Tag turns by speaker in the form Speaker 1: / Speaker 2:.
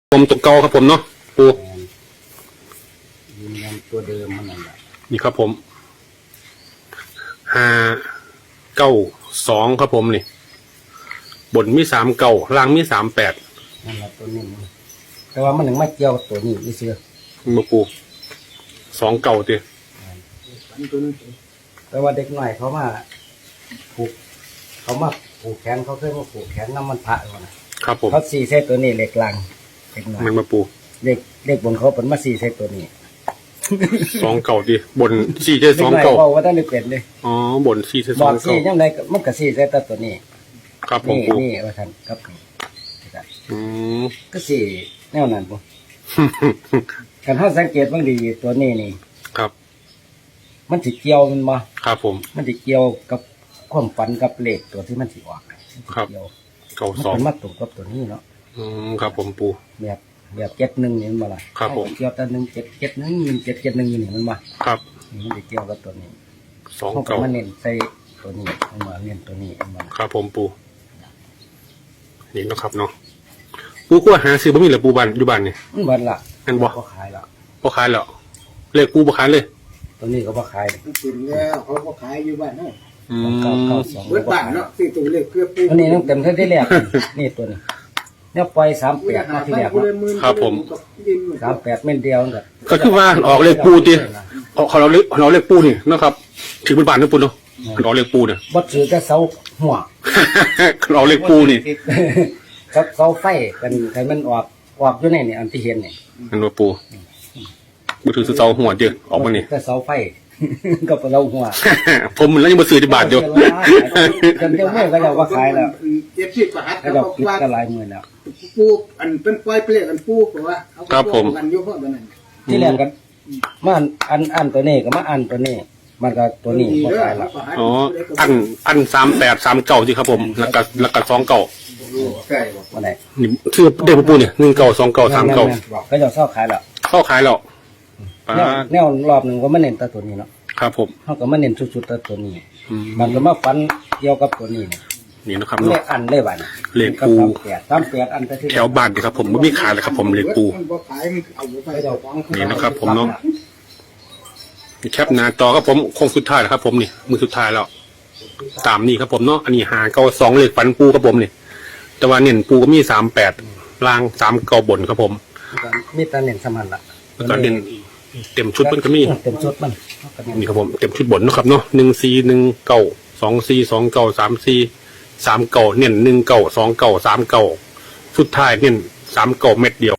Speaker 1: ผมตัวเก่าครับผมเนาะปู
Speaker 2: ยืนยันตัวเดิมมันนั่นแหละ
Speaker 1: นี่ครับผม592ครับผมนี่บนมี39ล่างมี38
Speaker 2: นั่นแหละตัวนี้แต่ว่ามันถึงไม่เกี่ยวกับตัวนี้นี่เชื่อ
Speaker 1: มาปู29ติ
Speaker 2: แต่ว่าเด็กหน่อยเขามาผูกแขนเขาเคยมาผูกแขนน้ำมันพระก่อนนะครับผมเขา4 เซตตัวนี้เหล็กลังเด็กหน่อย
Speaker 1: มันมาปู
Speaker 2: เด็กบนเขาเป็นมา4 เซตตัวนี้
Speaker 1: 29ติบน4เจ29
Speaker 2: บอกว่าท่านได้เป็นเลย
Speaker 1: อ๋อบน4เจ29
Speaker 2: บอก4ยังไงมันก็4 เซตตัวนี้
Speaker 1: ครับผมปู
Speaker 2: นี่ว่าท่านครับก็4แนวนั้นปูการเขาสังเกตบางดีตัวนี้นี่
Speaker 1: ครับ
Speaker 2: มันสิเกี่ยวมันมา
Speaker 1: ครับผม
Speaker 2: มันสิเกี่ยวกับความฝันกับเลขตัวที่มันสิออก
Speaker 1: ครับ
Speaker 2: 92มันมาตรงกับตัวนี้เนาะ
Speaker 1: ครับผมปู
Speaker 2: แบบ71นี่มันมาละ
Speaker 1: ครับผม
Speaker 2: เกี่ยวกับ1771นี่มันมา
Speaker 1: ครับ
Speaker 2: มันสิเกี่ยวกับตัวนี้
Speaker 1: 29
Speaker 2: มันเน้นใส่ตัวนี้มันมาเน้นตัวนี้มัน
Speaker 1: ครับผมปูนี่เนาะครับเนาะปูก็หาซื้อบ่มีเหรอปูบ้านอยู่บ้านนี่
Speaker 2: บ้านละ
Speaker 1: อันบ่
Speaker 2: ขายละ
Speaker 1: บ่ขายแล้วเลขปูบ่ขายเลย
Speaker 2: ตัวนี้ก็บ่ขาย
Speaker 3: กินแล้วเขาก็ขายอยู่บ้านเนาะ
Speaker 2: 992
Speaker 3: เบิดบ้านเนาะที่ตัวเลขเกือบปู
Speaker 2: อันนี้ต้องเต็มที่แรกนี่ตัวนี้เนี่ยปล่อย38มาที่แรก
Speaker 1: ครับผม
Speaker 2: 38เม็ดเดียว
Speaker 1: ก็คือว่าออกเลขปูติเขาเราเลขปูนี่นะครับถือเป็นบ้านนะปูเนาะเราเลขปูเนี่ย
Speaker 2: บ่ถือแต่เสาหัว
Speaker 1: เราเลขปูนี่
Speaker 2: ครับเสาไฟกันมันออกอยู่ในนี่อันที่เห็นนี่
Speaker 1: อันว่าปูบ่ถือเสาหัวเด้อออกมานี่
Speaker 2: แต่เสาไฟก็เราหัว
Speaker 1: ผมมันแล้วยังบ่ซื้อที่บาทอยู่
Speaker 2: กันเดียวมื้อก็จะว่าขายแล้ว
Speaker 3: 70บาท
Speaker 2: ก็ปิดก็หลายมื้อแล้ว
Speaker 3: ปูอันเป็นปล่อยเปลือกอันปูเพราะว่า
Speaker 1: ครับผม
Speaker 3: กันอยู่เพราะนั้น
Speaker 2: ที่แรกกันมาอันตัวนี้ก็มาอันตัวนี้มันก็ตัวนี้บ่ขายละ
Speaker 1: อ๋ออัน38 39สิครับผมแล้วก็29
Speaker 3: ใช่บ่
Speaker 2: ว่าไหน
Speaker 1: นี่ชื่อเด็กปูนี่19 29 39
Speaker 2: ก็จะเซาขายแล้ว
Speaker 1: เข้าขายแล้ว
Speaker 2: แนวรอบนึงก็มาเน้นแต่ตัวนี้เนาะ
Speaker 1: ครับผม
Speaker 2: เฮาก็มาเน้นสุดๆแต่ตัวนี้มันก็มาฟันเกี่ยวกับตัวนี้
Speaker 1: นี่นะครับ
Speaker 2: เนาะเลขอันเลยบัด
Speaker 1: เลขปู
Speaker 2: 38อัน
Speaker 1: แถวบ้านดิครับผมไม่มีขายเลยครับผมเลขปูนี่นะครับผมเนาะแคปหน้าจอครับผมคงสุดท้ายแล้วครับผมนี่มือสุดท้ายแล้วตามนี่ครับผมเนาะอันนี้592เลขฝันปูครับผมนี่แต่ว่าเน้นปูก็มี38ล่าง39บนครับผม
Speaker 2: มีแต่เน้นสมันละ
Speaker 1: แล้วก็เน้นเต็มชุดมันก็มี
Speaker 2: เต็มชุดมัน
Speaker 1: นี่ครับผมเต็มชุดบนนะครับเนาะ1419 2429 34 39เน้น19 29 39สุดท้ายเน้น39เม็ดเดียว